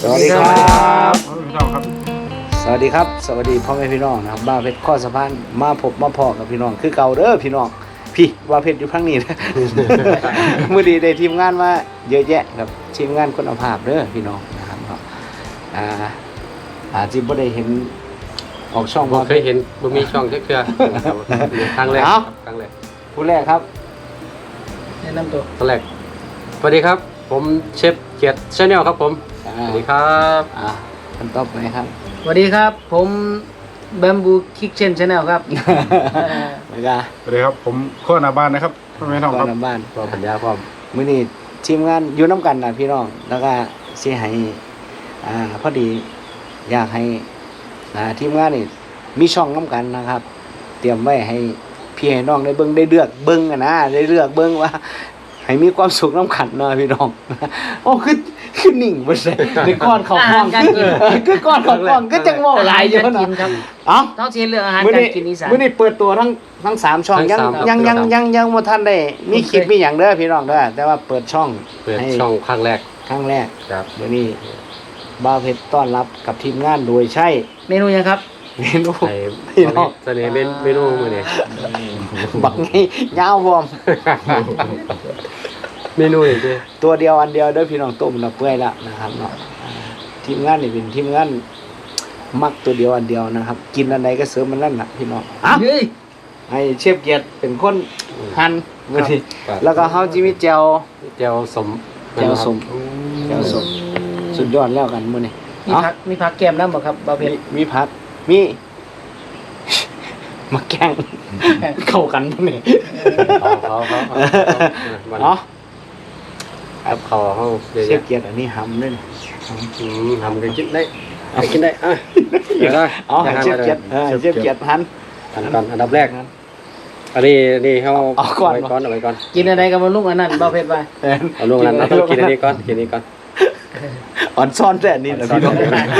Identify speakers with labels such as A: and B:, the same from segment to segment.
A: สวัสดีครับ
B: พี่น้องครับ
A: สวัสดีครับสวัสดีพ่อแม่พี่น้องนะครับบ้าเพชรข้อสะพานมาพบมาพอกับพี่น้องคือเก่าเด้อพี่น้องพี่บ้าเพชรอยู่ข้างนี้นะ มื้อดีได้ทีมงานมาเยอะแยะครับทีมงานคุณภาพเด้อพี่น้องนะครับเนาะอาจจะบ่ได้เห็นออกช่อง
C: บ่เคยเห็นบ่มีช่องจักเทื่อนะครับครั้งแรกครับครั้งแรก
A: ผู้แรกครับ
B: แนะนำตัว
C: ครั้งแรกสวัสดีครับผมเชฟเกียรติ Channel ครับผมสวัสดีครับ
A: คนต่อไปครับ
B: สวัสดีครับผมแบมบูคิกเชนชาแนลครับ
A: ไม่กล้า
D: สวัสดีครับผมโค้ชนาบ้านนะครับพ่อแม่น้องครับ
A: น้ำบ้าน
C: รอปัญญาพร้อม
A: มื้อนี้ทีมงานอยู่น้ำกันนะพี่น้องแล้วก็สิให้พอดีอยากให้ทีมงานนี่มีช่องน้ำกันนะครับ เตรียมไว้ให้พี่ให้น้องได้เบิ่งได้เลือกเบิ่งอะนะได้เลือกเบิ่งว่า ให้มีความสุขน้ำขันเนาะพี่น้อง โอ้คือนิ่งบ่ใช่ในก้อนเขาห้อง
B: การกิน
A: คือก้อนเขาห้องก็จังเว้าหลายอยู่
B: การกิน
A: เนาะ
B: ครับ
A: เอ้า
B: ต้องเชียร์เรื่องอาหาร
A: มื้อ
B: การ
A: นี้
B: กินอีสาน
A: มื้อนี้เปิดตัวทั้ง3ช่องยังบ่ทันได้มีคลิปมีหยังเด้อพี่น้องเด้อแต่ว่าเปิดช่อง
C: เปิด
A: ให้
C: ช่องครั้งแรก
A: ครั้งแรก
C: ครับ
A: มื้อนี้บ่าวเพชรต้อนรับกับทีมงานโดยใช้
B: เมนูยังครับ
A: เมนู
C: ไอ้
A: พี่น้อง
C: เสน่ห์เมนูมื้อนี้
A: บักนี่ยาวพร้อม
C: เมนูนี่สิ
A: ตัวเดียวอันเดียวเด้อพี่น้องต้มแล้วเปื่อยแล้วนะครับเนาะทีมงานนี่เป็นทีมงานมักตัวเดียวอันเดียวนะครับ กินอันใดก็เสริมมันนั่นน่ะพี่น้องอ้าว
B: เฮ้ย
A: ให้เชฟเกียรติเป็นคนหั่นมื้อนี้
C: ครับ
A: แล้วก็เฮาจิมีแจ่ว
C: แจ่วสม
A: แจ่วสมแจ่วสมสุดยอดแล้วกันมื้อนี้
B: มีผักแก้มน้ำบ่ครับบาเพชร
A: มีผักมี มาแกล้งเข้ากันมื้อนี้
C: เขามัน
A: เนาะ
C: กับเขาเฮาเดี๋ยว
A: เชฟเกียรติอันนี้หำด้วยนะ
C: ทำกันกินได้กินได้เดี๋ยวได้
A: อ๋อให้เชฟเกียรติเชฟเกียรติหั่น
C: อันก่อนอันดับแรกอันนี้เฮา
A: เอาก่อน
C: ไว้ก่อนเอาไว้ก่อน
B: กินอะไรกันมาลุงอันนั้นบาเพชรไป
C: เอาลงนั้นเราต้องกินอันนี้ก่อนกินอันนี้ก่อน
A: อ่อนซ่อนแต่อันนี้แหละพี่น้อง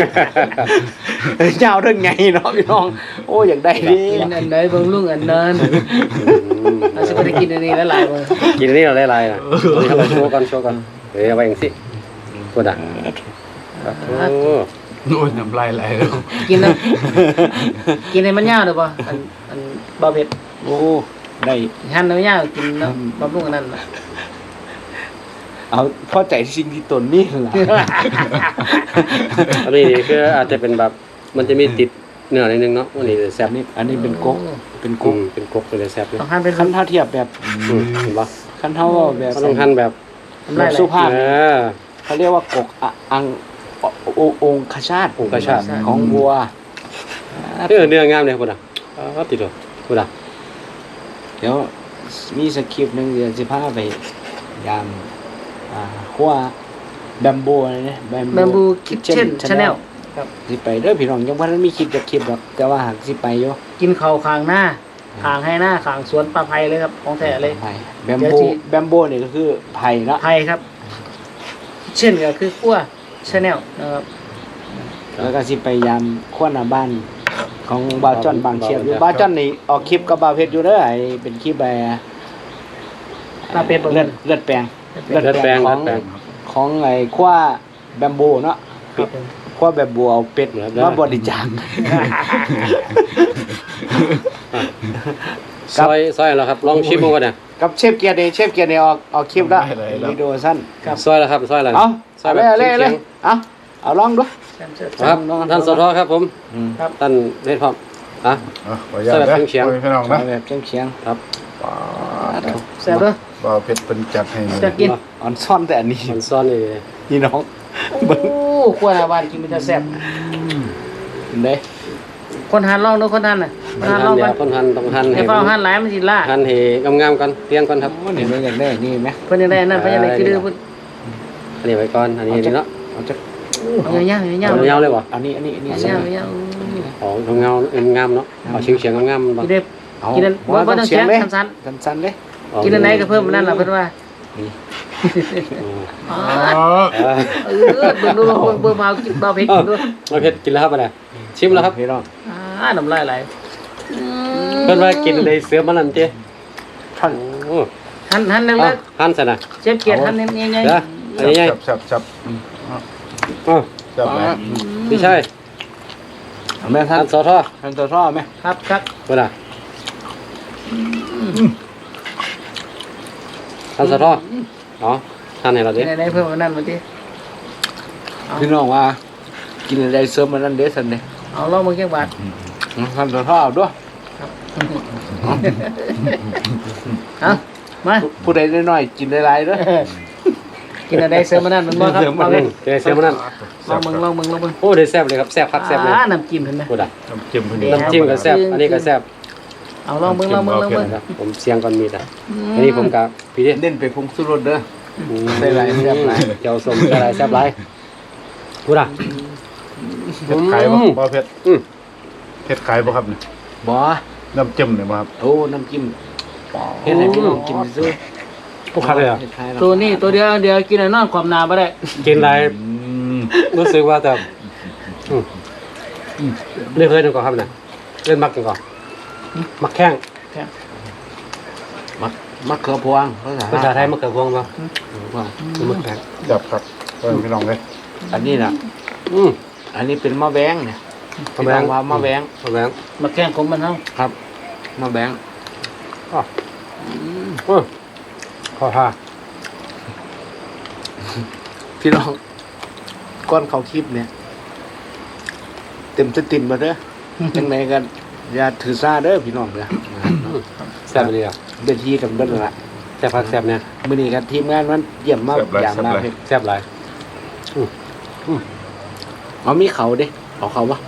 A: ยาวเรื่องไงเนาะพี่น้อง โอ้อยากได้ดิ
B: กินอันไหนบางลุงอันนั้นเราจะไปกินอันนี้แล้วหลายมื้อ
C: กินอันนี้เราได้ลายนะเราโชว์ก่อนเฮ้ยเอาไว้อย่างสิกดอ่ะโอ้
D: นู่นน้ำลายไหลแล้ว
B: กินนะกินให้มันยาวเด้อบ่อันบาเพชร
A: โอ้ได้
B: หั่นให้มันยาวกินแล้วบำรุงอันนั้นน่ะ
A: เอาพอใจสิ่งที่ตนนี่ล่ะ
C: อันนี้คืออาจจะเป็นแบบมันจะมีติดเนื้อนิดนึงเนาะอันนี้แซ่บ
A: อันนี้เป็นก๊กเป็นก๊ก
C: เป็นกบเป็นแซ่บเลย
B: ต้องหั่นเป็น
A: ขั้นเท่าเทียบแบบ
C: เห็นปะ
A: ขั้นเท่าแบบ
C: เขาต้องหั่นแบบ
A: แบบสุภาพ
C: เออ
A: เขาเรียกว่ากกอังองคชาต
C: องคชาต
A: ของวัว
C: เนื้องามเลยคุณอ่ะติดเลยคุณอ่ะ
A: เดี๋ยวมีสคริปต์หนึงเดี๋ยวสิพาไปยามขั้วแบมโบเลยนะ
B: แบมบูคิทเช่นชาแนลครับ
A: สิไปเด้อพี่น้องยังว่ามีคลิปจากคลิปหรอกแต่ว่าหากสิไปอยู่
B: กินข้าวคางหน้าคางให้หน้าคางสวนปลาไผ่เลยครับของแท้เลย
A: ไปแบม
B: เดี๋ยว
A: โบ
B: สิ
A: แบมโบนี่ก็คือไผ่เนาะ
B: ไผ่ครับ เช่นก็คือขั้วชาแนลนะครับ
A: แล้วก็สิไปยามขั้วหน้าบ้านของบาวจ้อนบางเชียบอยู่บาวจ้อนนี่ออกคลิปกับบาวเพชรอยู่เด้อไอ้เป็นคลิปแบบ
B: ปลาเป็ดบ่
A: เลือดแปลง
C: เลือดแปลง
A: ของไอ้ขั้วแบมโบเนาะ
B: ครับผม
A: ขั้วแบบบัวเอาเป็ดมาบริจาค
C: ซอยแล้วครับลองชิมดูก่อนนะ
A: กับเชฟเกียร์นี่เชฟเกียร์นี่ออกคลิปแล้ววิดีโอสั้น
C: ซอยแล้วครับซอยแล้ว
A: เอา
C: ซอย
A: เอา
C: แบบ
A: เลย
C: เฉียง
A: เอาลองดู
C: ครับท่านสทครับผม
B: ครับ
C: ท่านเล่นพร้อมอ่ะ
D: ขออนุญาตนะพี่น้องนะ
A: แบบเฉียง
C: ครับ
B: แซ่บเด้อ
D: บ่าวเพชรเป็นจัดให้
B: จะกิน
A: ๆอ่อนซ่อนแต่อันนี้
C: มันซ่อนนี่
A: นี่น้อง
B: โอ้ขั้วหน้าบ้านกินมันจะแซ่บ
A: เห็นไหม
B: คนหันลองดูคนหันน่ะคนหันลอง
C: เดี๋
B: กั
C: ยวน คนหั่นต้องหั่น
B: ไอ้
C: ให้
B: เฝ้าหันหลายมันสิล่า
C: หั่นให้งามๆก่อนเตียงก่อนครับ
A: โอ้เห็นไหมอยากได้นี่ไหม
B: เพิ่นยังได้นั่นเพิ่นยังได้คือดื้อเพิ่น
C: อันนี้ไว้ก่อนอันนี้เนาะ
A: เอาจะ
B: เอายาวๆยาว
C: เอายาวเลยบ่
A: อันนี้
B: ๆ
A: ใส่
B: ยาว
C: ของงามเนาะเอาเฉียงๆงามๆ
B: ๆ
C: บ่
B: กินได้
A: เอา
B: กินอันบ่ต้องเสียง
A: เลย
B: สั้น
A: สั้นๆเลย
B: ๆกินอันไหนก็เพิ่มอันนั้นล่ะเพิ่นว่าอ๋อเบิ่งดูเบิ่งเบากินเบาเผ็ดกินดู
C: เราเผ็ดกินแล้วครับอะไรชิมแล้วครับ
A: พี่น้อง
B: น้ำลายไหล
C: เพิ่นว่ากินได้เสือมันนั่นเจ้
A: ท่าน
C: โอ้
B: หันเล็ก
C: หั่นซะนะ
B: ๆเชฟเกียรติหันใหญ่
C: เด้ออันนี้ใหญ่
D: จับ
C: อ๋อ
D: จับไป
C: พี่ชาย
A: เอาแม่ท่า
C: ท่าน นสอทอ
A: ท่านตัวท่อไหม
B: ครับครับ
C: คนน่ะท่านสอทออ๋อท่านให้เราดิ
B: กินอะไรเพิ่มมานั่นมาดิ
A: พี่น้องว่า กินอะไรเสริมมันนั่นเด้สันเด้
B: เอาลองมือแก้บาท
A: ท่านตัวท่อเอาด้วย
B: เอามา
A: ผู้ใดน้อยๆกินหลายๆเด้อ
B: กินอะไรเสริมมานั่นมันบ่ครับ
A: เสริมมา
B: เอา
A: นั่
B: เล
A: น
B: ย
C: เดี๋ยวเสียมันนั่น
B: ลองมึงลองมึงลองมึง
C: โอ้เดี๋ยวแซ่บเลยครับแซ่บคักแซ่บเลย
B: น้ำจิ้มเห็นไหม
C: คนน่ะ
D: น้ำจิ้มพอดี
B: เดี๋ยว
C: น้ำจิ้มก็แซ่บอันนี้ก็แซ่บ
B: เอาลองมึงลองมึงลองมึง
C: ครับผมเสียงก่อนมีดอ่ะอันนี้ผมกับพี่ดิ
A: เน้นไปผงสุรสเด้อ ใส่หลายแซ่บหลาย
C: เจียวส้มใส่หลายแซ่บหลายพูดอ่ะ
D: เผ็ดขายบ่บ่เผ็ด
C: อืม
D: เผ็ดขายบ่ครับนี่
A: บ่
D: น้ำจิ้มเนี่ยบ่ครับ
A: โอ้น้ำจิ้มเฮ็ดให้พี่น้องกินซื้อ
C: พวกคักเลยอ่ะ
A: ฮ็ดให้เรา
B: ตัวนี้ตัวเดียวกินอะไรนอนความนาไม่ได้
C: กินอะไร
D: ม
C: รู้สึกว่าแต่เล่นเคยหนึ่งก่อนครับเนี่ยเล่นมักกันก่อนมักแข้ง
A: มะเขือพวงภาษา
C: ภาษาไทยมักเขือพวงป่ะ
A: พวง
C: มักแข้ง
D: จับครับพี่น้องเลย
A: อันนี้น่ะ
C: อืม
A: อันนี้เป็นมะแบงเนี่ย
C: มะแบง
A: พี่น้อว่ามะแบง
C: มะแบง
B: มาแข่งของมันเนาะ
A: ครับมะแบง
C: อ๋อขอท่า
A: พี่น้องก้อนเขาคลิปเนี่ย เต็มสตินมาเด้อจังไหนกันอย่าถือซาเด้อพี่น้องเด้อ
C: แซ่บเลยอ่ะ
A: เดินทีกันเบิ้ลละ
C: แซ่บพักแซ่บเนี่ย
A: มื้อนี้กันทีมงานมันเยี่ยมมากอย่างมากเลย
C: แซ่บหลาย
A: เอามีเขาดิเอาเขาปะ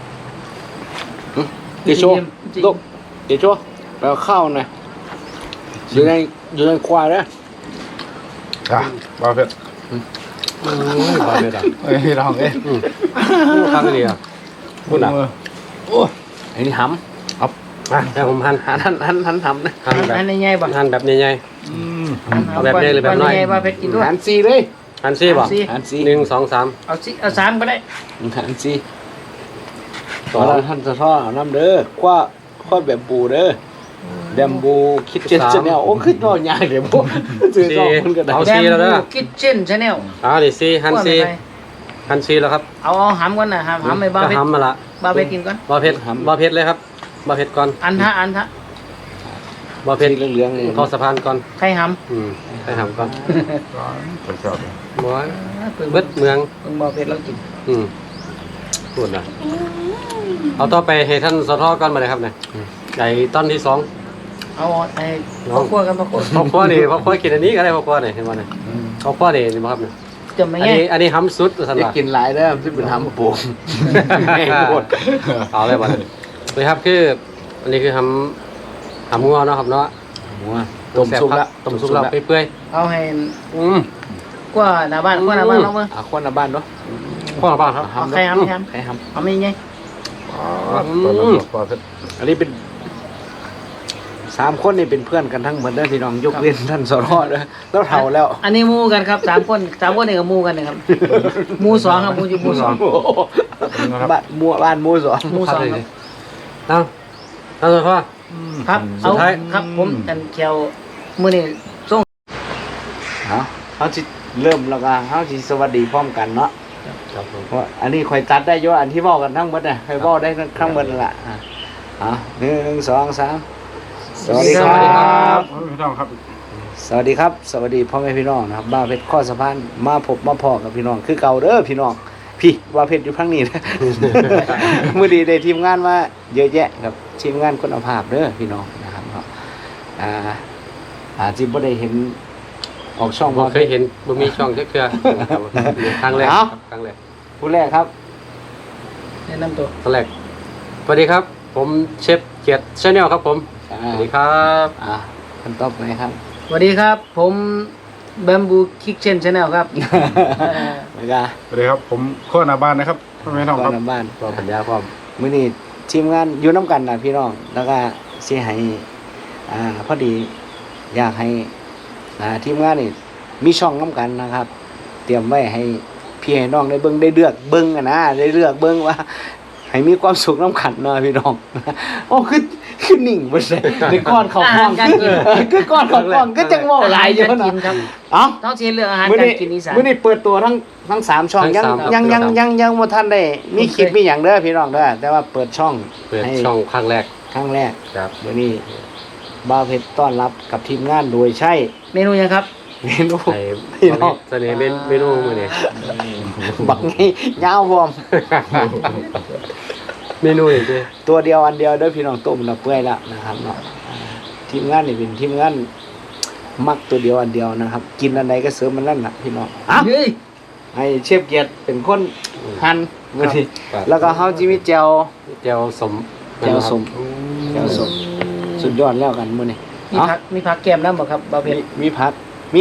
A: เดโชลูกเดโชไปเอาข้าวหน่อยอยู่ในควายเด้อ
D: อ่ะบ่เผ็ด
C: บาเบ็ดอ่ะ
D: พี่น้องเอ้ย
C: คักเลยอ่ะพูดอ่ะ
A: โอ้ไอ้นี่ห
C: มาแต่ผมหั่น
A: ำหันทำนะ
C: หั่นแบบ
B: อันนี้ใหญ่ป่ะ
C: หั่นแบบใหญ่
D: อืม
C: เอาแบบใหญ่หรือแบบน้อย
B: ใหญ่ป่ะเพชรกินด้วย
A: หันซีเลย
C: ๆหั่นซี่ป่ะ
A: หันซี
C: หนึ่งสองสาม
B: เอาสามก็ได้
A: หันซี
C: ส
A: ต่
C: อ
A: อง แล้วท่านจะทอดเอาน้ำเด้อคว้าแบบบูเด้อแบมบูคิดเจ็ดชแนลโอ้ขึ้นนอนยากเดี๋ยวพวกซื้อสองคนก็ได้
C: เอาซี่แล้วเด้อ
B: คิทเช่นชาแนล
C: นี่ซี่หั่นซี่หั่นซี่แล้วครับ
B: เอาหำก่อนนะหำไม่บ้า
C: ก็
B: เพชร
C: หำมาละ
B: บ้าเพชรกินก่อน
C: บาเผ็ดบาเผ็ดเลยครับบาเผ็ดก่อน
B: อันทะ
C: บาเผ็ด
A: สีเหลืองๆเลย
C: เข้าสะพานก่อน
B: ใครห
C: ไปหำก่อน
D: ไปชอบเลย
C: บอย
B: ำ
C: เบิดเมือง
B: เพิ่งบ้าเพชรเรากิน
C: พูดนะเอาต่อไปให้ท่านสทก่อนมาเลยครับเนี่ยใหญ่ต้นที่สอง
B: เอาไอ้พ่อครัวกันพ่อครัว
C: พ่อพ่อนี่พ่อพ่อกินอันนี้ก็ได้พ่อพ่อนี่เห็นไหมเนี่ยพ่อพ่อนี่นี่บ่ครับเนี่ย
B: จะไม่
C: อัน
B: ไง
C: นี้อันนี้หำสุดสัน
A: จะ
C: ว่า
A: กินหลายเด้อที่เป็นทำปูแม่งหมด
C: เอาเลยบ่เนี่ยเลยครับคืออันนี้คือหำงัวเนาะครับเนาะ
A: หัวต้มซุปละ
C: ต้มซุปแล้วเปื่อย
B: เอาให้
C: ๆ
B: กว่าหน้าบ้านเราเมื่อ
A: คนละบ้านเนาะ
C: พ่อบ้างครับ
B: เอาใครหำ
A: ใครท
B: เอาไม่ไง
D: ตอนนั้นบ่เผ็ด
A: ำอันนี้เป็น3 คนนี่เป็นเพื่อนกันทั้งหมดเด้อพี่น้องยกเว้นท่านสรเด้อแล้วเฒ่าแล้ว
B: อันนี้มูกันครับ3 คนนี่ก็มูกันนะครับมูสองครับมูอยู่มูสอง
A: โอ้โหบ้านหมู่สอง
B: มูสองครับ
C: เอาเอาเลยพ่อ
B: ครับ
C: สุ
B: เอา
C: ดท้าย
B: ครับผมอันเขียวมือนี่ส่ง
A: เขาสิเริ่มแล้วก็เขาสิสวัสดีพร้อมกันเนาะ
C: ครับผม
A: เพราะอันนี้ค่อยตัดได้อยู่อันที่เว้ากันทั้งหมดน่ะค่อยเว้าได้ทั้งหมดนั่นล่ะ1 2 3สวัสดีค
C: สวัสดีครั
A: รับ บ
D: พี่น้องครับ
A: สวัสดีครับ สวัสดีพ่อแม่พี่น้องนะครับบ้าเพชรข้อสะพานมาพบมาพอกับพี่น้องคือเก่าเด้อพี่น้องพี่ว่าเพชรอยู่ข้างนี้นะ มื้อดีได้ทีมงานมาเยอะแยะครับทีมงานคุณภาพเด้อพี่น้องนะครับเนาะอาจจะบ่ได้เห็นออกช่อง
C: บ่เคยเห็นบ่มีช่องเทื่อครั้งแรกครับครั้งแรก
A: ผู้แรกครับ
B: แนะนำตัว
C: ครั้งแรกสวัสดีครับ ผมเชฟเกียรติชาแนลครับผมสวัสดีครับ
A: คนต่อไปครับ
B: สวัสดีครับ ผมแบมบูคิกเชนชาแนลครับ
A: แล้วก็
D: สวัสดีครับผมข้อหน้าบ้านนะครับพี่น้อง
A: ก่
D: ค
A: อ
D: รับ
A: นบ้าน
C: ก็ปัญญาความ
A: มื้อนี้ทีมงานอยู่น้ำกันนะพี่น้องแล้วก็สิให้พอดีอยากให้ทีมงานนี่มีช่องน้ำกันนะครับ เตรียมไว้ให้พี่ให้น้องได้เบิ่งได้เลือกเบิ่งได้เลือกเบิ่งว่าให้มีความสุขน้ำกันเนาะพี่น้อง โอ้คือนิ่งบ่ใช่คือก้อนเขาห้องคือก้อนเขาห้องก็จังเว้าหลายอยู่
B: อาหารการกิ
A: เนาะ
B: นครับ
A: เอ้า
B: ต้องเชียเรื่องอาหาร
A: มื้อ
B: การ
A: นี้
B: กินอีสาน
A: มื้อนี้เปิดตัวทั้ง3ช่องยังบ่ทันได้มีคลิปมีหยังเด้อพี่น้องเด้อแต่ว่าเปิดช่อง
C: เปิด
A: ให้
C: ช่องครั้งแรก
A: ครั้งแรก
C: ครับ
A: มื้อนี้บ่าวเพชรต้อนรับกับทีมงานโดยใช้
B: เมนูยังครับ
A: เมนู
C: ไอ้
A: พี่น้อง
C: เสน่ห์เมนูมื้อนี้
A: บักไงยาวบ่ม
C: เมนูอย่างที่
A: ตัวเดียวอันเดียวเด้อพี่น้องต้มแล้วเปื่อยแล้วนะครับเนาะทีมงานนี่เป็นทีมงานมักตัวเดียวอันเดียวนะครับ กินอันใดก็เสริมมันนั่นน่ะพี่น้องอ่ะ
B: เฮ้ย
A: ให้เชฟเกียรติเป็นคนหั่นมื้อนี้
C: ครับ
A: แล้วก็เฮาจิมีแจ่ว
C: เจียวสม
A: แจ่วส้มแจ่วส้มสุดยอดแล้วกันมื้อนี้
B: มีผักแก้มน้ำบ่ครับบ่าวเพชร
A: มีผักมี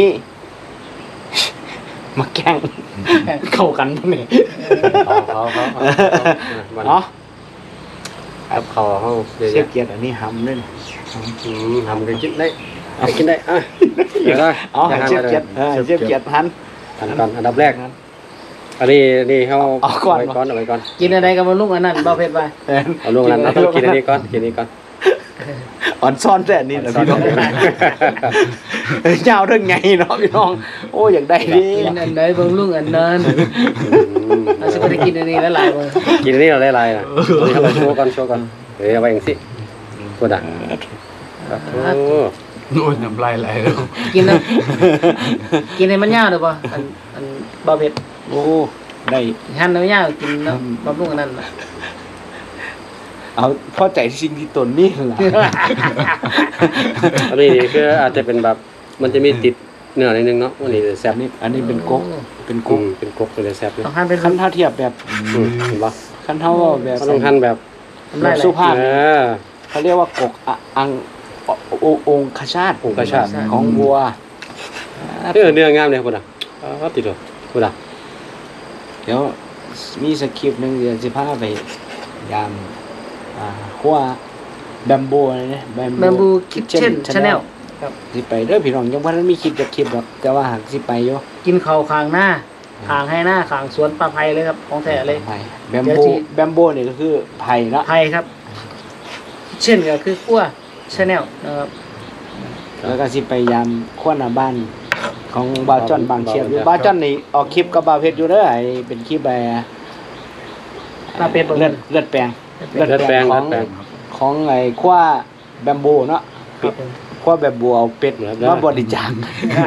A: มาแกงเข้ากันมื้อนี้
C: เขามัน
A: เนาะ
C: กับเขาเขาเดี๋ยว
A: เชฟเกียรติอันนี้หำด้วยนะ
C: ทำกันกินได้กินได้อ่ะเดี๋ยวได้
A: เอาให้เชฟเกียรติเชฟเกียรติหั่น
C: อันก่อนอันดับแรกอันนี้เขา
A: เอาก่อน
C: ไว้ก่อนเอาไว้ก่อน
B: กินอะไรกับมันลุงอันนั้นบ่าวเพชรไป
C: เอาลงนั้นเราต้องกินอันนี้ก่อนกินอันนี้ก่อน
A: อ่อนซ่อนแต่อันนี้แหละพี่น้องยาวเรื่องไงเนาะพี่น้องโอ้อยากได้ดิ
B: กินอันไหนเบิ่งลุงอันนั้นเราสิบ่ได้กินอันนี้หลายๆบ่
C: กินอันนี้เราได้ลายนะนี่เราโชว์ก่อนเดี๋ยวเอาไว้อย่างสิพูดอ่ะครับโอ้
D: โอ้ยน้ำลายไหลแล้ว
B: กินนะกินให้มันยาวเด้อบ่อันบ่าวเพชร
A: โอ้ได้
B: หั่นให้มันยาวกินเนาะบำรุงอันนั้นน่ะ
A: เอาพอใจสิ่งที่ตนนี่แหละ
C: อันนี้คืออาจจะเป็นแบบมันจะมีติดเนื้อนิดนึงเนาะวันนี้แซ่บนี่
A: อันนี้เป็นก๊กเป็น
C: กุ้
A: ก๊
C: ง
A: ก
C: เป็นกบเลยแซ่บเลย
B: ต้องหั่นเป็น
A: ขั้นเท่าเทียบแบบ
C: เห็นปะ
A: ขั้นเท่าแบบ
C: ก็ต้องหั่นแบบ
A: แบบสุภาพ
C: เออ
A: เขาเรียกว่ากกอังองคชาต
C: องคชาต
A: ของวัว
C: เนื้องามเลยพูดอ่ะติดเลยพูดอ่ะ
A: เดี๋ยวมีสคริปต์หนึงเดี๋ยวสิพาไปยามขั้วแบมโบอะไรเนี่ย
B: Bamboo Kitchen Channel ครับ
A: สิไปเด้อพี่น้องยังบ่ทันมีคลิปจากคลิปหรอกแต่ว่าหากสิไปอยู่
B: กินข้าวข้างหน้าข้างให้หน้าข้างสวนปลาไผ่เลยครับของแท้เลย
A: ไผ่แบม
B: เดี๋ยว
A: โบ
B: ที่
A: แบมโบนี่ก็คือไผ่เนาะ
B: ไผ่ครับ เช่นก็คือขั้ว Channel นะครับ
A: แล้วก็สิไปยามขั้วหน้าบ้านของบ่าวจ้อนบางเชียบอยู่บ่าวจ้อนนี่ออกคลิปกับบ่าวเพชรอยู่เด้อไอ้เป็นคลิป
B: ปลาเป็ดบ่
A: เลือดแปลง
C: เลือดแปลง
A: ของ
C: เลือดแปลง
A: ของไอ้ขั้วแบมโบเนาะ
B: ครับผม
A: ขั้วแบมโบเอาเป็ด
C: เหลือ
A: มาบริจาค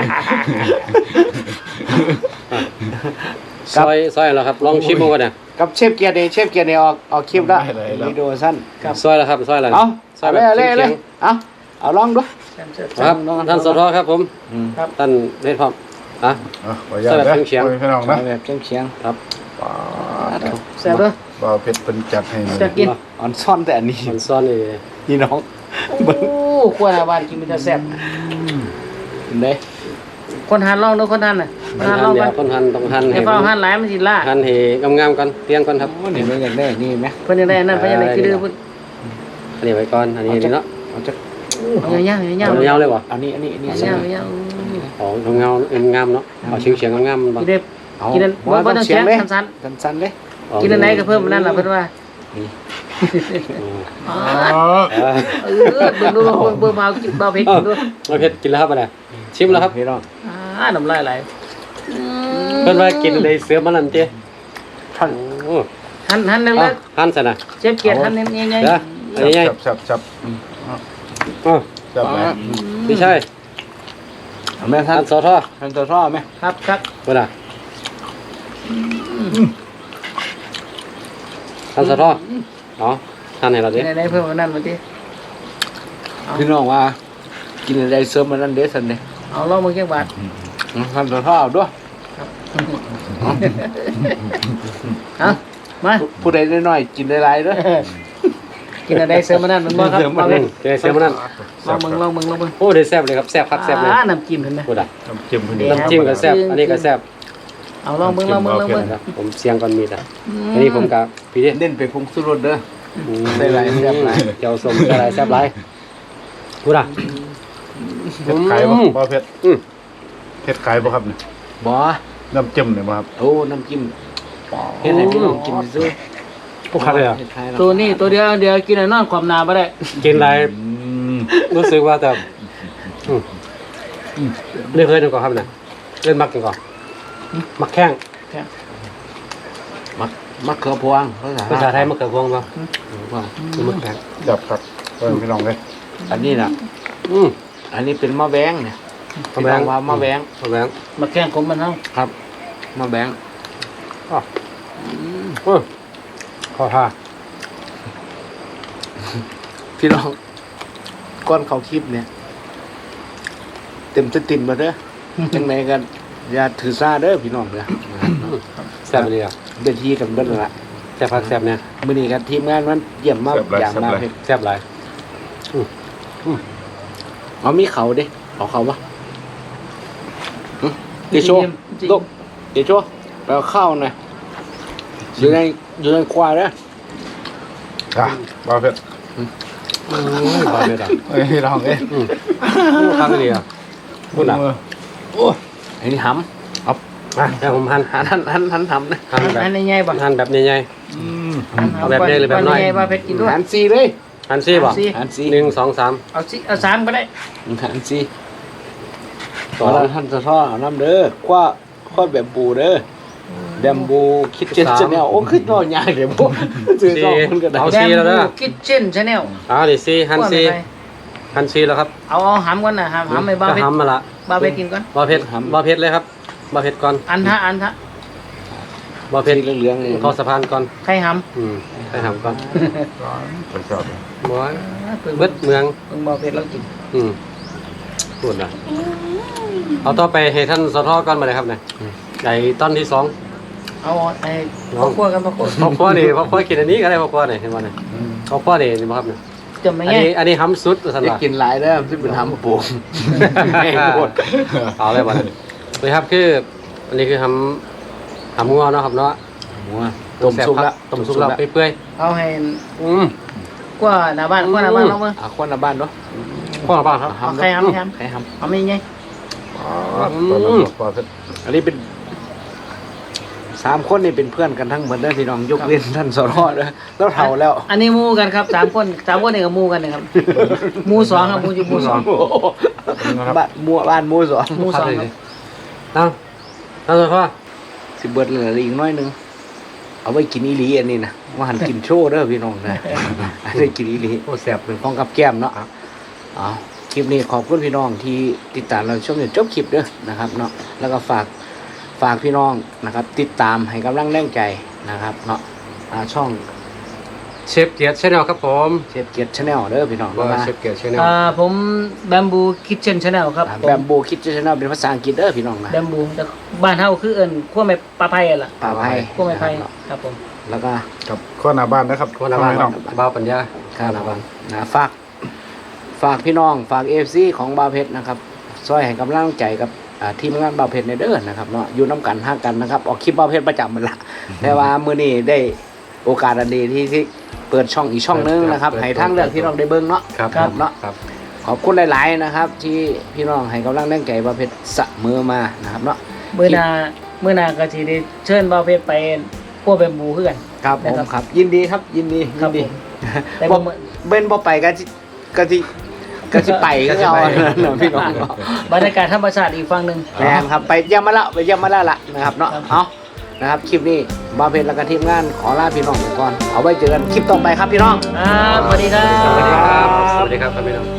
C: ซอยแล้วครับลองชิมดูก่อนเนี่ย
A: กับเชฟเกียร์นี่ออกคลิปแล้ววิดีโอสั้น
C: ซอยแล้วครับซอยแล้ว
A: เอา
C: ซอย
A: เอา
C: แบบ
A: เลย
C: เฉียง
A: เอาลองดู
C: ครับท่านสทครับผม
B: ครับ
C: ท่านเฮ็ดพร้อมอ่ะ
D: ขออนุญาตนะ
C: เฉียง
D: โอ้ยพี่น้อง
A: เอา
D: นะ
A: แบบเฉียง
C: ครับ
D: ป๊าด
B: แซ่บเด้อ
D: บ่าวเพชรเป็นจัดให้เลย
B: จะกิน
A: ๆอ่อนซ่อนแต่อันนี้
C: มันซ่อนนี่
A: พี่น้อง
B: โอ้ขั้วหน้าบ้านกินมันจะแซ่บ
A: เห็นเด้
B: คนหันลองดูคนหันน่ะคนหันลอง
C: เดี๋
B: กั
C: ย
B: น
C: วคนหั่นต้องหั่น
B: ให้
C: ให้
B: เฝ้าหันหลายมันสิล่า
C: หั่นให้งามๆก่อนเตียงก่อนครับ
A: โอ้นี่มันอยากได้นี่ไหม
B: เพิ่นยังได้อันนั้นเพิ่นยังได้คือดื้อเพิ่น
C: อันนี้ไว้ก่อนอันนี้นี่เนาะ
A: เอาจะ
B: เอายาวๆยาว
C: เอา
B: ๆ
C: ยาวเลยบ่
A: อันนี้
B: ยาว
A: ใส่
B: ๆยาว
C: อ๋อเงางามเนาะเอาเฉียงๆงามๆ
B: ๆ
C: บ่
B: กินได้
A: เอา
B: กินอันบ่ต้องเสียง
A: เลย
B: สั้น
A: สั้นๆเลย
B: ๆกินอันไหนก็เพิ่มอันนั้นล่ะเพิ่นว่าอ๋อ
D: อ๋อ
B: เบิ่งดูเบิ่งมาเอากินเบาเผ็ดกินดู
C: เราเผ็ดกินแล้วครับอันนี้ชิมแล้วครับ
A: พี่น้อง
B: น้ำลายไหล
C: เพิ่นว่ากินเลยเสือมันนั่นเจ้
A: ท่าน
C: โอ้
B: หั่นเล็
C: เอา
B: ก
C: หั่นซะนะ
B: ๆเชฟเกียรติหั่นใหญ่
C: เด้ออันนี้ไง
D: จับ
C: อ๋อ
D: จับไหม
C: พี่ชาย
A: เอาแม่ท่า
C: หั่
A: น
C: นสอทอ
A: ท่านตัวท่อไหม
B: ๆครับครับ
C: บ่ล่ะหั่นสอทออ๋อหั่นให้เราดิ
B: กินอันไหนเพิ่มอันนั้นมาดิ
A: พี่น้องว่า กินอะไรเสริมมันนั่นเด้สันเด้
B: เอาลองมือแก้บาท
A: ท่านตัวท่อเอาด้วย
B: เอามา
A: ผู้ใดน้อยๆกินหลายๆเด้อ
B: กินอะไรเสริมอันนั้นมันบ่ครับมา
C: อื
B: เว้
C: มเจอเสือมันนั่น
B: ลองมึง
C: โอ้ได้แซ่บเลยครับแซ่บคักแซ่บเลย
B: น้ำจิ้มเห็นไหม
C: พูดอ่ะ
D: น้ำจิ้มพอดี
B: เดี๋ยว
C: น้ำจิ้มก็แซ่บอันนี้ก็แซ่บ
B: เอาลองมึง
C: ครับผมเสียงก่อนมีดอ่ะอันนี้ผมกับพี่ดิ
A: เล่นไปพงสุรสเด้อ ใส่หลายแซ่บหลาย
C: เจ้าสมใส่หลายแซ่บหลายพูดอ่ะ
D: เผ็ดไก่บ่บ่าวเพชร
C: อืม
D: เผ็ดไก่บ่ครับเนี่ย
A: บ่
D: น้ำจิ้มเนี่ยบ่ครับ
A: โอ้น้ำจิ้มเฮ็ดให้พี่น้องกินซื้อ
C: พวกคักเลยอ่ะ
A: เฮ็ดขาย
B: ตัวนี้ตัวเดียวกินแล้วนอนความหนาบ่ได้
C: กินไรรู้สึกว่าแต่เล่นเคยดูก่อนครับเนี่ยเล่นมักกันก่อนมักแข้ง
A: มะเขือพวง
C: ภาษาไทยมักเขือพวงป่ะมักแข้ง
D: จับครับเพิ่นพี่น้องเลย
A: อันนี้น่ะ อันนี้เป็นมะแบงเนี่ย
C: มะแว้ง
A: ว่ามะแบง
C: มะแว้ง
B: มาแข่งของมันเฮา
A: ครับมะแบง
C: ขอท่า
A: พี่น้องก้อนเขาคลิปเนี่ย เต็มสติมมาเด้อจังไหนกันอย่าถือซาเด้อพี่น้องเด้อ
C: แซ่บเลยอ่ะ
A: เดินทีกันเบิดนั่นละ
C: แซ่บพักแซ่บเนี่ย
A: มื้อนี้กันทีมงานมันเยี่ยมมากอย่างมากเลย
C: แซ่บหลาย
A: เอามีเขาเด้เอาเขาปะเดโชลูกเดโชไปเอาข้าวหน่อยอยู่ในควายเด้อ
D: อ่ะบ่าวเพชร
C: บาเม็ดอ่ะ
D: เอ้ยพี่น้องเอ้ย
C: ข้างเลยอ่ะพูดหนัก
A: โอ้ยไอ้นี่หำเอา
C: แต่ผมหั่น
A: หันหำนะ
C: หั่นแบบ
B: อันใหญ่ๆบ่
C: หั่นแบบใหญ่ เอาแบบใหญ่หรือแบบน้อย
B: ใหญ่ๆบ่เพชรกินด้วย
A: หันซีเลย
C: ๆหั่นซี่ป่ะ
A: หันซี
C: 1 2 3
B: เอา3ก็ได้
A: หันซีต่อแล้วท่านจะทอดเอาน้ำเด้อคว้าแบบบูเด้อแบมบูคิดเจนจะแนวโอ้ขึ้นนอนยากเดี๋ยวพวกซื้อสองคนก็ได้
C: เอา ซี่แล้วเด้อ
B: คิทเช่นชาแนล
C: นี่ซี่หั่นซี่หั่นซี่แล้วครับ
B: เอาหำก่อนนะหำให้บ่าว
C: จะ
B: เพชร
C: ทำมาละ
B: บ่าวเพชรกินก่อน
C: บ่เผ็ดบ่เผ็ดเลยครับบ่เผ็ดก่อน
B: อันทะ
C: บ่เผ็ด
A: สีเหลืองๆนี่
C: เข้าสะพานก่อน
B: ไข่ห
C: ไปทำก่อน
D: ไปชอบเลย
C: บ่
B: ำ
C: เบิดเมือง
B: เพิ่งบ่าวเพชรเรากิน
C: พูดนะเอาต่อไปให้ท่านสทก่อนมาเลยครับเนี่ยใหญ่ต้นที่2
B: เอาไอ้พ่อครัวกันพ่อครัว
C: พ่อครัวนี่พ่อครัวกินอันนี้ก็ได้พ่อครัวนี่เห็นบ่เนี่ยพ่อครัวนี่บ่ครับเนี่ย
B: จะไม่
C: อัน
B: ไง
C: นี้อันนี้ห้ำสุดสัน
A: จะ
C: ว่า
A: กินหลายเด้อที่เป็นทำปูแม่งโคตร
C: เอาเลยบ่เนี่ยเลยครับคืออันนี้คือห้ำงัวเนาะครับเนาะ
A: หัวต้มซุปละ
C: ต้มซุปแล้วเปื่อย
B: เอาให้
C: ๆ
B: กว่าหน้าบ้านกว่าหน้าบ้านเราเบิ่ง
A: คนละบ้านเนาะ
C: พ่อบ้างครับ
B: เอาไข่หำ
A: ไข่ห
B: เอาไม่ไง
D: บ่าวเพชร
A: ำอันนี้เป็น3 คนนี่เป็นเพื่อนกันทั้งหมดเด้อพี่น้องยกเว้นท่านสรเด้อแล้วเฒ่าแล้ว
B: อันนี้หมู่กันครับ3คนนี่ก็หมู่กันนะครับหมู่2ครับหมู่อยู่หมู่2
A: โอ้โหบ้านหมู่สอง
B: หมู่2ครับ
C: เอาเลยพ่อ
A: สิเบิดเหลืออีกน้อยหนึงเอาไว้กินอีหลีอันนี้นะว่าหันกินโชว์เด้อพี่น้องนะอันนี้กินอีหลี
C: โอ้แซ่บเลย
A: ของกับแก้มเนาะอ๋อคลิปนี้ขอบคุณพี่น้องที่ติดตามเราชมจนจบคลิปเด้อนะครับเนาะแล้วก็ฝากพี่น้องนะครับ ติดตามให้กำลังแรงใจนะครับเนาะช่อง
C: เชฟเกียรติชาแนลครับผม
A: เชฟเกียรติชาแนลเด้อพี่น้อง
C: ว่า
A: มา
C: เชฟเกียรติชาแนล
B: ผมแบมบูคิทเช่นชาแนลครับ
A: แบมบูคิดชาแนลเป็นภาษาอังกฤษเด้อพี่น้องนะ
B: แบมบูแต่บ้านเฮาคือเอิ้นขั้วไม้ปลาไผ่ล่ะ
A: ป่าไผ่
B: ขั้วไม้ไผ่ครับผม
A: แล้วก็
D: กับข้อหน้าบ้านนะครับ
C: คนละบ้าน
D: พี่น้อง
C: บ้าวปัญญา
A: ครับนะฝากพี่น้องฝาก AFC ของบาวเพชรนะครับช่วยให้กำลังใจกับทีมงานบาวเพชรในเด้อนะครับเนาะอยู่น้ำกันห้างกันนะครับออกคลิปบาวเพชรประจำมันละแต่ว่ามื้อนี้ได้โอกาสอันดีที่เปิดช่องอีกช่องนึงนะครับให้ทางเลือกพี่น้องได้เบิ่งเนาะ
C: ครับ
A: เนาะ
C: ครับ
A: ขอบคุณหลายๆนะครับ ที่พี่น้องให้กำลังแรงใจบาวเพชรเสมอมานะครับเนาะ
B: มื้อหน้าก็สิได้เชิญบ่าวเพชรไปขั้วแบมบูคือกัน
A: ครับผม
B: นะครับ
A: ครับยินดีครับยินดี
B: ครับ
A: ดี
B: ผมแต่
A: บ่
B: บ่มื้อ
A: เบิ้นบ่ไปก็สิไปก็เอาเนาะพี่น้องเนาะ
B: บรรยากาศธรรมชาติอีกฝั่งหนึง
A: แม่นครับไปเยี่ยมมาแล้วล่ะนะครับเนาะ
B: ครับ
A: เอานะครับคลิปนี้บาวเพชรและก็ทีมงานขอลาพี่น้องไปก่อนเอาไว้เจอกันคลิปต่อไปครับพี่น้อง
B: ครับสวัสดีครับ
C: สวัสดีครับสวัสดีครับท่านพี่น้อง